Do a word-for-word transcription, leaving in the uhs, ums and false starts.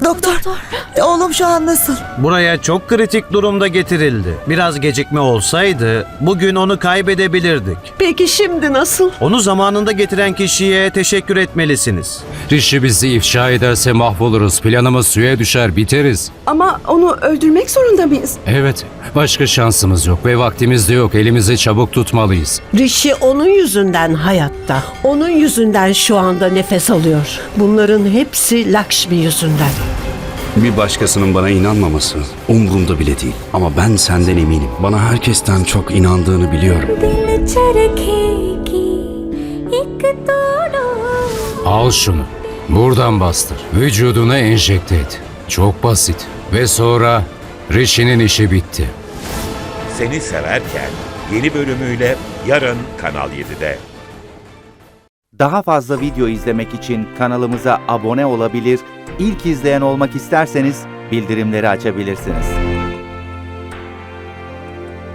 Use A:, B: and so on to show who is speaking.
A: Doktor, oğlum şu an nasıl?
B: Buraya çok kritik durumda getirildi. Biraz gecikme olsaydı bugün onu kaybedebilirdik.
C: Peki şimdi nasıl?
B: Onu zamanında getiren kişiye teşekkür etmelisiniz.
D: Rishi bizi ifşa ederse mahvoluruz. Planımız suya düşer, biteriz.
C: Ama onu öldürmek zorunda mıyız?
D: Evet, başka şansımız yok ve vaktimiz de yok. Elimizi çabuk tutmalıyız.
E: Rishi onun yüzünden hayatta. Onun yüzünden şu anda nefes alıyor. Bunların hepsi Lakshmi yüzünden.
F: Bir başkasının bana inanmaması umurumda bile değil. Ama ben senden eminim. Bana herkesten çok inandığını biliyorum.
G: दिल चरखेगी एक तोड़ो
D: Al şunu. Buradan bastır. Vücuduna enjekte et. Çok basit. Ve sonra Rishi'nin işi bitti.
H: Seni Severken yeni bölümüyle yarın Kanal yedide.
I: Daha fazla video izlemek için kanalımıza abone olabilir, ilk izleyen olmak isterseniz bildirimleri açabilirsiniz.